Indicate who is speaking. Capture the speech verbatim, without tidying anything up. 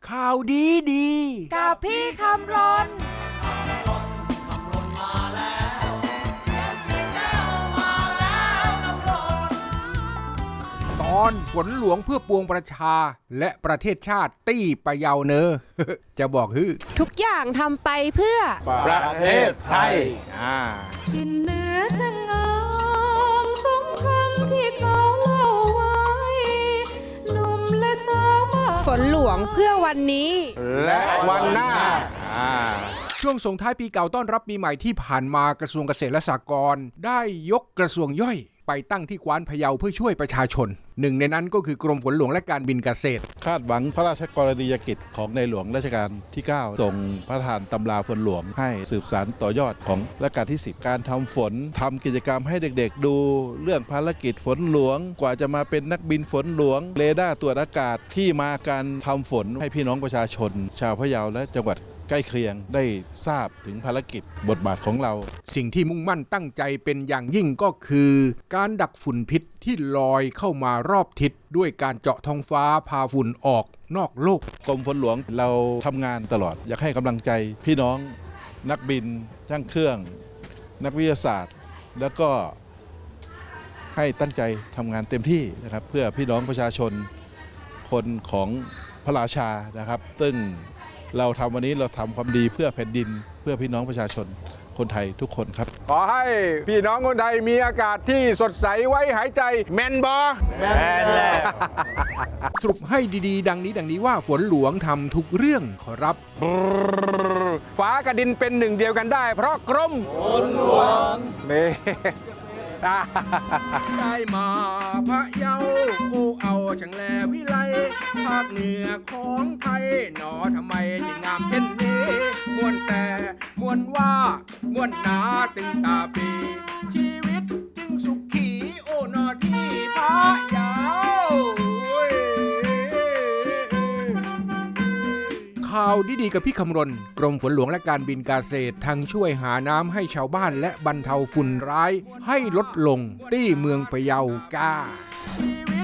Speaker 1: ข่าวดีดี
Speaker 2: กับพี่คำรน
Speaker 1: ตอนฝนหลวงเพื่อปวงประชาและประเทศชาติตี้ปะเยาเนอ จะบอกฮือ
Speaker 2: ทุกอย่างทำไปเพื่อ
Speaker 3: ประเทศไทย
Speaker 2: ดินเหนือช่างงามสมคำที่เขาเล่าไว้หนุ่มและสาวฝนหลวงเพื่อวันนี้
Speaker 3: และวันหน้า
Speaker 1: ช่วงส่งท้ายปีเก่าต้อนรับปีใหม่ที่ผ่านมากระทรวงเกษตรและสหกรณ์ได้ยกกระทรวงย่อยไปตั้งที่กวานพะเยาเพื่อช่วยประชาชนหนึ่งในนั้นก็คือกรมฝนหลวงและการบินเกษตร
Speaker 4: คาดหวังพระราชกรณียกิจของในหลวงรัชกาลที่เก้าส่งพระทานตำราฝนหลวงให้สืบสานต่อยอดของรัชกาลที่สิบการทำฝนทำกิจกรรมให้เด็กๆดูเรื่องภารกิจฝนหลวงกว่าจะมาเป็นนักบินฝนหลวงเรดาร์ตรวจอากาศที่มาการทำฝนให้พี่น้องประชาชนชาวพะเยาและจังหวัดใกล้เคียงได้ทราบถึงภารกิจบทบาทของเรา
Speaker 1: สิ่งที่มุ่งมั่นตั้งใจเป็นอย่างยิ่งก็คือการดักฝุ่นพิษที่ลอยเข้ามารอบทิศด้วยการเจาะท้องฟ้าพาฝุ่นออกนอกโลก
Speaker 4: กรมฝนหลวงเราทำงานตลอดอยากให้กำลังใจพี่น้องนักบินช่างเครื่องนักวิทยาศาสตร์แล้วก็ให้ตั้งใจทำงานเต็มที่นะครับเพื่อพี่น้องประชาชนคนของพระราชานะครับซึ่งเราทำวันนี้เราทำความดีเพื่อแผ่นดินเพื่อพี่น้องประชาชนคนไทยทุกคนครับ
Speaker 3: ขอให้พี่น้องคนไทยมีอากาศที่สดใสไว้หายใจแมนบอแมนแล้ว
Speaker 1: สรุปให้ดีๆดังนี้ดังนี้ว่าฝนหลวงทำทุกเรื่องขอรับ
Speaker 3: ฟ้ากับดินเป็นหนึ่งเดียวกันได้เพราะกรมฝนหลวงเน่
Speaker 1: ได้มาพะเยาโอ้เอาช่างแลวิไลภาคเหนือของไทยหนอทำไมจึงงามเช่นนี้มวนแต่มวนว่ามวนหนาตึงตาปีชีวิตจึงสุขีโอ้นอที่พะเยาข่าวดีๆกับพี่คำรณกรมฝนหลวงและการบินเกษตรทั้งช่วยหาน้ำให้ชาวบ้านและบรรเทาฝุ่นร้ายให้ลดลงที่เมืองพะเยากา